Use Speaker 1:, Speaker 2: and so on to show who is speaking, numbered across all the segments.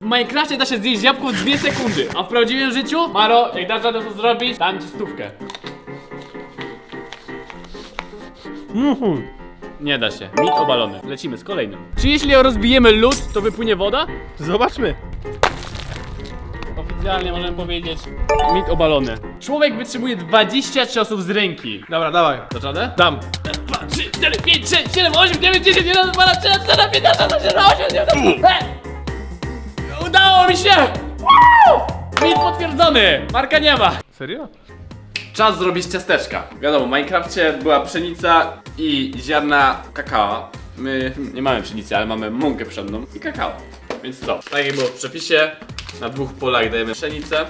Speaker 1: Minecrafcie da się zjeść jabłko w 2 sekundy, a w prawdziwym życiu, Maro, jak dasz radę to zrobić, dam ci 100. Nie da się. Mit obalony. Lecimy z kolejnym. Czy jeśli rozbijemy lód, to wypłynie woda?
Speaker 2: Zobaczmy.
Speaker 1: Oficjalnie możemy powiedzieć mit obalony. Człowiek wytrzymuje 20 ciosów z ręki.
Speaker 2: Dobra, dawaj.
Speaker 1: Dasz radę?
Speaker 2: Dam.
Speaker 1: 2, 3, 4, 5, 6, 7, 8, 9, 10, 11, 12, 13, 14, 15, 16, 17, 18, 19. Udało mi się! Woo! Mit potwierdzony! Marka nie ma.
Speaker 2: Serio?
Speaker 1: Czas zrobić ciasteczka. Wiadomo, w Minecrafcie była pszenica i ziarna kakao. My nie mamy pszenicy, ale mamy mąkę pszenną i kakao. Więc co? Tak jak było w przepisie, na 2 polach dajemy pszenicę.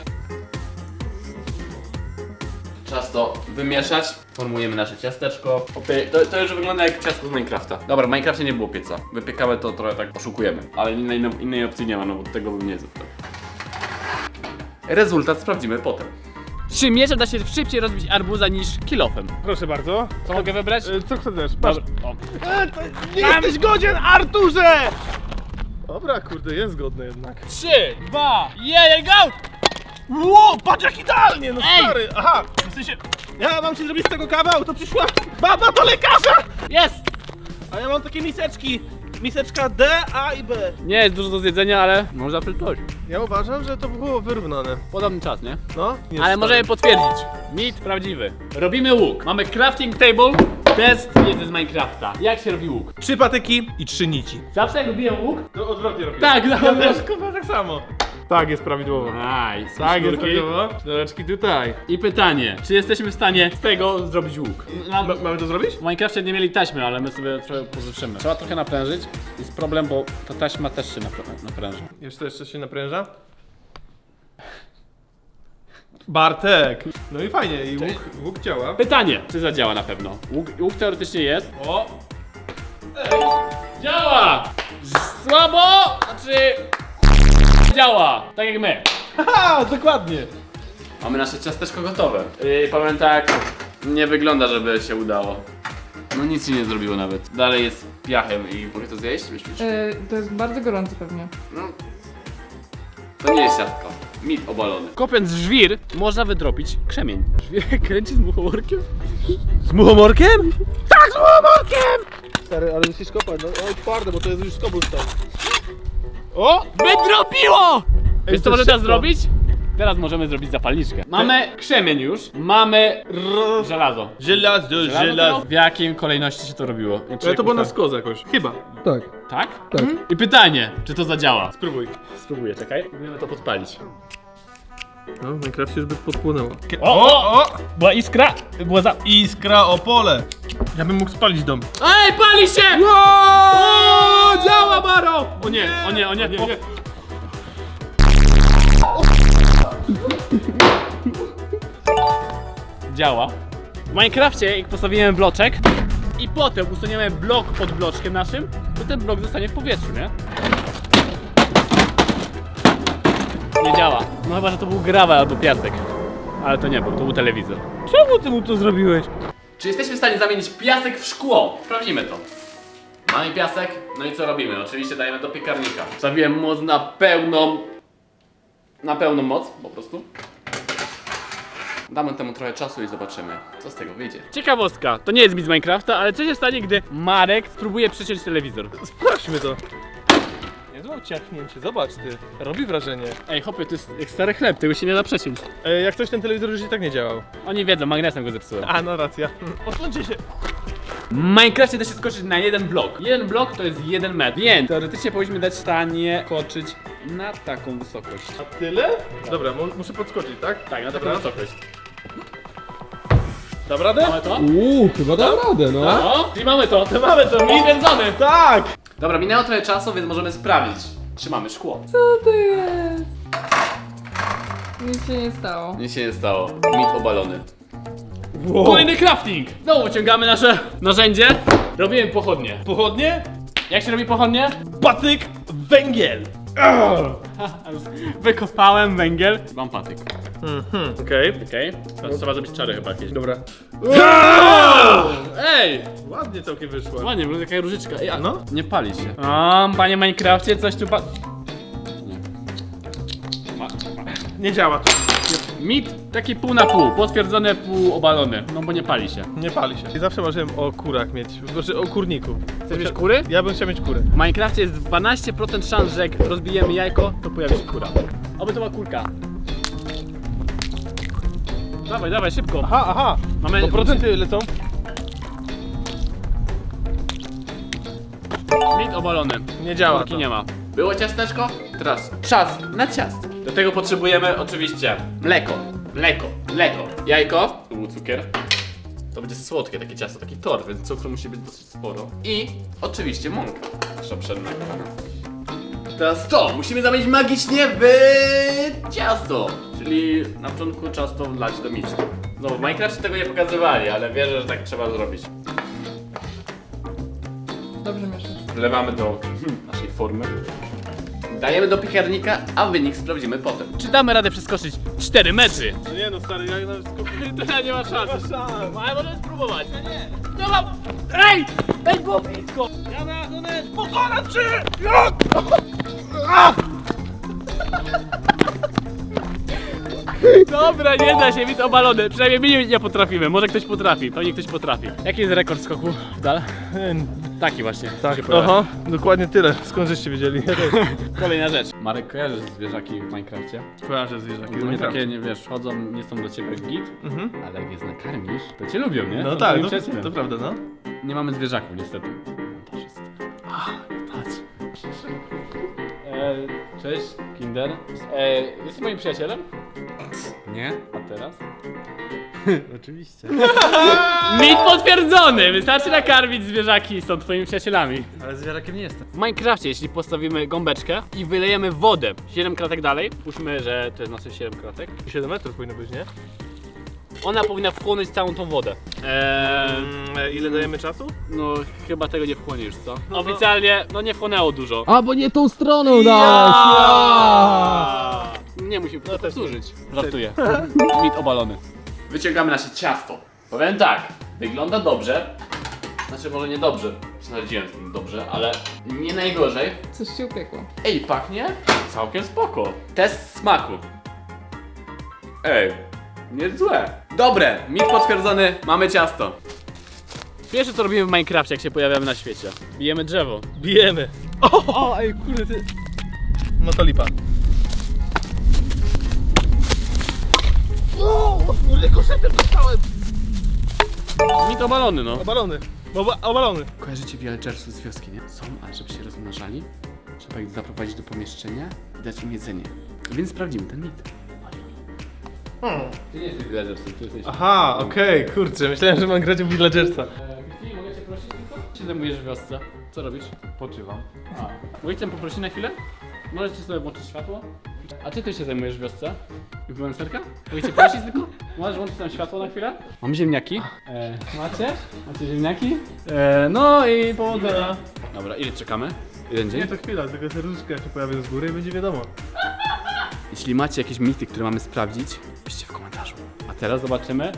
Speaker 1: Czas to wymieszać. Formujemy nasze ciasteczko. To już wygląda jak ciastko z Minecrafta. Dobra, w Minecrafcie nie było pieca. Wypiekamy to trochę tak oszukujemy. Ale innej opcji nie ma, no bo tego bym nie zjadł. Rezultat sprawdzimy potem. Czy mieczem da się szybciej rozbić arbuza niż kilofem?
Speaker 2: Proszę bardzo.
Speaker 1: Co mogę wybrać?
Speaker 2: Co chcesz? Patrz.
Speaker 1: Dobra. O.
Speaker 2: Nie jesteś godzien, Arturze! Dobra, kurde, jest godny jednak.
Speaker 1: 3, 2, 1, go!
Speaker 2: Ło, patrz jak idealnie, no
Speaker 1: Ej!
Speaker 2: stary. Aha, w sensie, ja mam ci zrobić z tego kawał, to przyszła baba do lekarza!
Speaker 1: Jest!
Speaker 2: A ja mam takie miseczki. Miseczka D, A i B.
Speaker 1: Nie jest dużo do zjedzenia, ale można przytoczyć.
Speaker 2: Ja uważam, że to było wyrównane.
Speaker 1: Podobny czas, nie?
Speaker 2: No, nie
Speaker 1: Ale
Speaker 2: jest
Speaker 1: możemy
Speaker 2: stary.
Speaker 1: potwierdzić. Mit prawdziwy. Robimy łuk. Mamy crafting table. Test wiedzy z Minecrafta. Jak się robi łuk?
Speaker 2: 3 patyki i 3 nici.
Speaker 1: Zawsze jak robiłem łuk?
Speaker 2: To odwrotnie robię.
Speaker 1: Tak,
Speaker 2: Ja
Speaker 1: dobra.
Speaker 2: też, kurwa, tak samo. Tak, jest prawidłowo.
Speaker 1: Nice.
Speaker 2: Tak, jest
Speaker 1: Sznurki.
Speaker 2: prawidłowo. Sznureczki tutaj.
Speaker 1: I pytanie, czy jesteśmy w stanie z tego zrobić łuk?
Speaker 2: Mamy to zrobić?
Speaker 1: W Minecrafcie nie mieli taśmy, ale my sobie trochę pożyczymy. Trzeba trochę naprężyć. Jest problem, bo ta taśma też się napręża.
Speaker 2: Jeszcze się napręża. Bartek! No i fajnie, i łuk działa.
Speaker 1: Pytanie, czy zadziała na pewno? Łuk teoretycznie jest. O! Działa! Słabo! Znaczy... Działa! Tak jak my.
Speaker 2: Haha, dokładnie!
Speaker 1: Mamy nasze ciasteczko gotowe. Powiem tak, nie wygląda, żeby się udało. No nic się nie zrobiło nawet. Dalej jest piachem i mogę to zjeść? Myślisz?
Speaker 3: To jest bardzo gorące pewnie.
Speaker 1: No. To nie jest ciastko. Mit obalony. Kopiąc żwir, można wydropić krzemień. Żwir kręci z muchołorkiem?
Speaker 2: Z muchomorkiem? Tak, z muchomorkiem! Stary, ale musisz kopać, no twarde, bo to jest już cobblestone. O!
Speaker 1: Wydropiło! Wiesz co
Speaker 2: to
Speaker 1: możemy teraz
Speaker 2: szybko.
Speaker 1: zrobić? Teraz możemy zrobić zapalniczkę. Mamy krzemień już, mamy żelazo.
Speaker 2: Żelazo, żelazo.
Speaker 1: W jakiej kolejności się to robiło?
Speaker 2: Ale to było na skozę jakoś. Chyba. Tak.
Speaker 1: Tak? Tak. I pytanie, czy to zadziała?
Speaker 2: Spróbuj.
Speaker 1: Spróbuję, czekaj. Próbujemy to podpalić.
Speaker 2: No, w Minecrafcie już by podpłynęło.
Speaker 1: O! Była iskra! Była za...
Speaker 2: Iskra Opole! Ja bym mógł spalić dom.
Speaker 1: Ej, pali się! O, działa, Maro! O nie, o nie, o nie. O. Działa. W Minecrafcie, jak postawimy bloczek i potem usuniemy blok pod bloczkiem naszym, to ten blok zostanie w powietrzu, nie? Nie działa. No chyba, że to był gravel albo piasek. Ale to nie był, to był telewizor.
Speaker 2: Czemu ty mu to zrobiłeś?
Speaker 1: Czy jesteśmy w stanie zamienić piasek w szkło? Sprawdzimy to. Mamy piasek, no i co robimy? Oczywiście dajemy do piekarnika. Wstawiłem moc na pełną moc, po prostu. Damy temu trochę czasu i zobaczymy, co z tego wyjdzie. Ciekawostka, to nie jest mit z Minecrafta, ale co się stanie, gdy Marek spróbuje przeciąć telewizor?
Speaker 2: Sprawdźmy to. Niezłe ciachnięcie, zobacz ty. Robi wrażenie.
Speaker 1: Ej, hopie, to jest jak stary chleb, tego się nie da przeciąć.
Speaker 2: Jak coś ten telewizor już i tak nie działał.
Speaker 1: Oni wiedzą, magnesem go zepsułem.
Speaker 2: A, no racja. Odsuńcie się.
Speaker 1: W Minecrafcie da się skoczyć na jeden blok. Jeden blok to jest 1 metr, więc teoretycznie powinniśmy dać stanie skoczyć na taką wysokość.
Speaker 2: A tyle? Dobra, muszę podskoczyć, tak?
Speaker 1: Tak, na taką
Speaker 2: Dobra.
Speaker 1: wysokość.
Speaker 2: Dam radę?
Speaker 1: Mamy to?
Speaker 4: Chyba dam radę, no.
Speaker 1: O, i mamy to.
Speaker 2: Mamy to, mi
Speaker 1: Potwierdzony.
Speaker 2: Tak!
Speaker 1: Dobra, minęło trochę czasu, więc możemy sprawdzić, czy mamy szkło.
Speaker 3: Co to jest? Nic się nie stało.
Speaker 1: Nic się nie stało. Mit obalony.
Speaker 2: Wow.
Speaker 1: Kolejny crafting! Znowu wyciągamy nasze narzędzie. Robimy pochodnie.
Speaker 2: Pochodnie?
Speaker 1: Jak się robi pochodnie?
Speaker 2: Patyk, węgiel.
Speaker 1: Wykopałem węgiel. Mam patyk.
Speaker 2: Okej.
Speaker 1: Okej. Teraz trzeba zrobić czary chyba jakieś.
Speaker 2: Dobra.
Speaker 1: Ej!
Speaker 2: Ładnie całkiem wyszło.
Speaker 1: Ładnie, wygląda jaka różyczka. Ej, a
Speaker 2: No.
Speaker 1: nie pali się. O, panie Minecrafcie, coś tu
Speaker 2: Nie działa to.
Speaker 1: Mit taki pół na pół, potwierdzone, pół obalony, no bo nie pali się.
Speaker 2: Nie pali się. I zawsze marzyłem o kurach mieć, znaczy o kurniku.
Speaker 1: Chcesz mieć kury?
Speaker 2: Ja bym chciał mieć kurę.
Speaker 1: W Minecrafcie jest 12% szans, że jak rozbijemy jajko, to pojawi się kura. Oby to była kurka. Dawaj, dawaj, szybko.
Speaker 2: Aha.
Speaker 1: Mamy...
Speaker 2: To procenty lecą.
Speaker 1: Mit obalony.
Speaker 2: Nie działa
Speaker 1: Kurki
Speaker 2: to.
Speaker 1: nie ma. Było ciasteczko? Teraz czas na ciasto. Do tego potrzebujemy oczywiście mleko, jajko, tu był cukier. To będzie słodkie takie ciasto, taki tort, więc cukru musi być dosyć sporo. I oczywiście mąka, nasza pszenna. Teraz to, musimy zamienić magicznie w ciasto. Czyli na początku czas to wlać do miski. No w Minecrafcie tego nie pokazywali, ale wierzę, że tak trzeba zrobić.
Speaker 3: Dobrze mieszasz.
Speaker 1: Wlewamy do naszej formy. Dajemy do piekarnika, a wynik sprawdzimy potem. Czy damy radę przeskoczyć 4 metry?
Speaker 2: No nie no stary, ja nawet
Speaker 1: To nie ma szans.
Speaker 2: Nie ma szans.
Speaker 1: Ale możemy spróbować. No mam... Ej! Ej, było blisko!
Speaker 2: Ja na donę pokonać cię!
Speaker 1: Dobra, nie da się, mit obalony. Przynajmniej my nie potrafimy, może ktoś potrafi, pewnie ktoś potrafi. Jaki jest rekord skoku w dal? Taki właśnie.
Speaker 2: Tak,
Speaker 1: się pojawia.
Speaker 2: aha, dokładnie tyle. Skąd żeście wiedzieli?
Speaker 1: Kolejna rzecz. Marek, kojarzysz zwierzaki w Minecrafcie?
Speaker 2: Kojarzę zwierzaki.
Speaker 1: Ogólnie takie, nie wiesz, wchodzą, nie są do ciebie git,
Speaker 2: Mhm.
Speaker 1: ale jak je nakarmisz, to cię lubią, nie?
Speaker 2: No
Speaker 1: Są
Speaker 2: tak,
Speaker 1: twoim
Speaker 2: to
Speaker 1: przyjacielem.
Speaker 2: prawda, no.
Speaker 1: Nie mamy zwierzaków niestety. Montażysta. Patrz. Cześć, Kinder. Jesteś moim przyjacielem?
Speaker 4: Nie?
Speaker 1: A teraz?
Speaker 4: Oczywiście.
Speaker 1: Mit potwierdzony! Wystarczy nakarmić zwierzaki, są twoimi przyjacielami.
Speaker 4: Ale zwierzakiem nie jestem.
Speaker 1: W Minecrafcie, jeśli postawimy gąbeczkę i wylejemy wodę 7 kratek dalej, puśćmy, że to jest nasze 7 kratek,
Speaker 2: 7 metrów powinno być, nie?
Speaker 1: ona powinna wchłonąć całą tą wodę.
Speaker 2: Ile dajemy czasu?
Speaker 1: No chyba tego nie wchłonie już, co? Oficjalnie, no nie wchłonęło dużo.
Speaker 4: A, bo nie tą stroną dałeś!
Speaker 1: Nie musimy to powtórzyć. Żartuję. Mit obalony. Wyciągamy nasze ciasto. Powiem tak, wygląda dobrze. Znaczy może nie dobrze, sprawdziłem z tym dobrze, ale nie najgorzej.
Speaker 3: Coś się upiekło.
Speaker 1: Ej, pachnie całkiem spoko. Test smaku. Ej, nie złe. Dobre, mit potwierdzony, mamy ciasto. Pierwsze co robimy w Minecrafcie, jak się pojawiamy na świecie. Bijemy drzewo.
Speaker 2: Bijemy. O, ej, kurde ty. No to lipa. O, kurde, koszetem dostałem.
Speaker 1: Mit obalony, no.
Speaker 2: Obalony. Obalony.
Speaker 1: Kojarzycie villagersów z wioski, nie? Są, ale żeby się rozmnażali, trzeba ich zaprowadzić do pomieszczenia i dać im jedzenie. Więc sprawdzimy ten mit. Ty nie jesteś villagersem, ty jesteś...
Speaker 2: Aha, okej, kurczę, myślałem, że mam grać w Villagersa.
Speaker 1: Christine, mogę cię prosić tylko? Się zajmujesz w wiosce? Co robisz?
Speaker 4: Poczywam.
Speaker 1: A. Mogę cię poprosić na chwilę? Możecie sobie włączyć światło? A ty się zajmujesz w wiosce? Influencerka? Mogę cię prosić tylko? Możesz włączyć tam światło na chwilę? Mam ziemniaki. Macie? Macie ziemniaki? No i powodzenia. Dobra, ile czekamy? Jeden dzień?
Speaker 2: Nie, to chwila, tylko serduszka się pojawią z góry i będzie wiadomo.
Speaker 1: Jeśli macie jakieś mity, które mamy sprawdzić, piszcie w komentarzu. A teraz zobaczymy.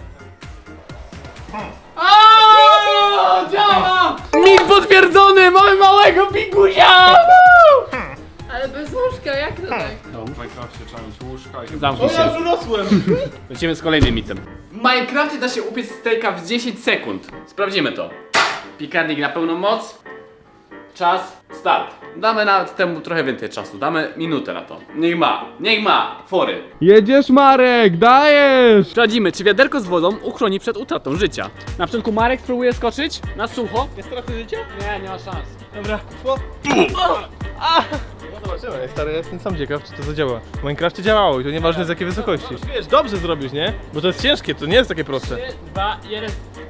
Speaker 1: O, działa! Mit potwierdzony! Mamy małego pigusia!
Speaker 3: Ale bez łóżka, jak to tak?
Speaker 1: No,
Speaker 4: W Minecrafcie trzeba mieć łóżka i...
Speaker 1: zamknij
Speaker 2: O, ja
Speaker 1: się.
Speaker 2: już urosłem!
Speaker 1: Lecimy z kolejnym mitem. W Minecrafcie da się upiec steaka w 10 sekund. Sprawdzimy to. Piekarnik na pełną moc. Czas, start. Damy nawet temu trochę więcej czasu. Damy minutę na to. Niech ma. Fory.
Speaker 4: Jedziesz, Marek, dajesz!
Speaker 1: Sprawdzimy, czy wiaderko z wodą uchroni przed utratą życia. Na początku Marek spróbuje skoczyć na sucho.
Speaker 2: Nie straty życia?
Speaker 1: Nie ma szans.
Speaker 2: Dobra. No zobaczymy, stary, ja jestem sam ciekaw, czy to zadziała. W Minecrafcie działało i to nieważne z jakiej wysokości. Wiesz, dobrze zrobisz, nie? Bo to jest ciężkie, to nie jest takie proste.
Speaker 1: 3, 2, 1.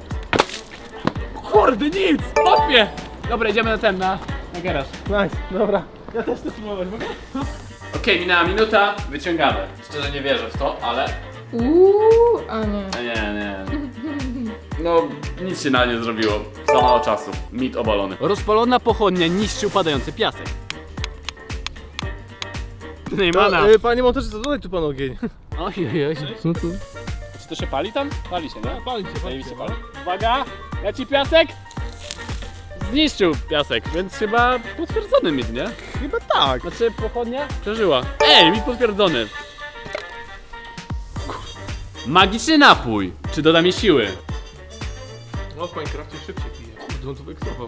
Speaker 1: Kurde, nic! Hopie! Dobra, idziemy na garaż.
Speaker 2: Nice, dobra. Ja też chcę spróbować, mogę?
Speaker 1: Okej, minęła minuta, wyciągamy. Szczerze nie wierzę w to, ale...
Speaker 3: A nie.
Speaker 1: Nie. No, nic się na nie zrobiło. Za mało czasu. Mit obalony. Rozpalona pochodnia niszczy upadający piasek. Neymana.
Speaker 2: Panie montażysta, dodaj tu pan ogień.
Speaker 1: Oj.
Speaker 4: Co to?
Speaker 1: Czy to się pali tam? Pali się, nie?
Speaker 2: Pali się,
Speaker 1: Zajebiście pali. Uwaga, leci piasek. Zniszczył piasek, więc chyba potwierdzony mit, nie?
Speaker 2: Chyba tak.
Speaker 1: Znaczy pochodnia przeżyła. Ej, mit potwierdzony. Magiczny napój. Czy doda mi siły?
Speaker 2: No w Minecrafcie szybciej pije. Kurde, on to wyeksował.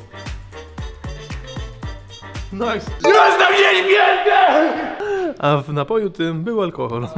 Speaker 2: Nice.
Speaker 1: Jestem nieśmiertelny!
Speaker 2: A w napoju tym był alkohol.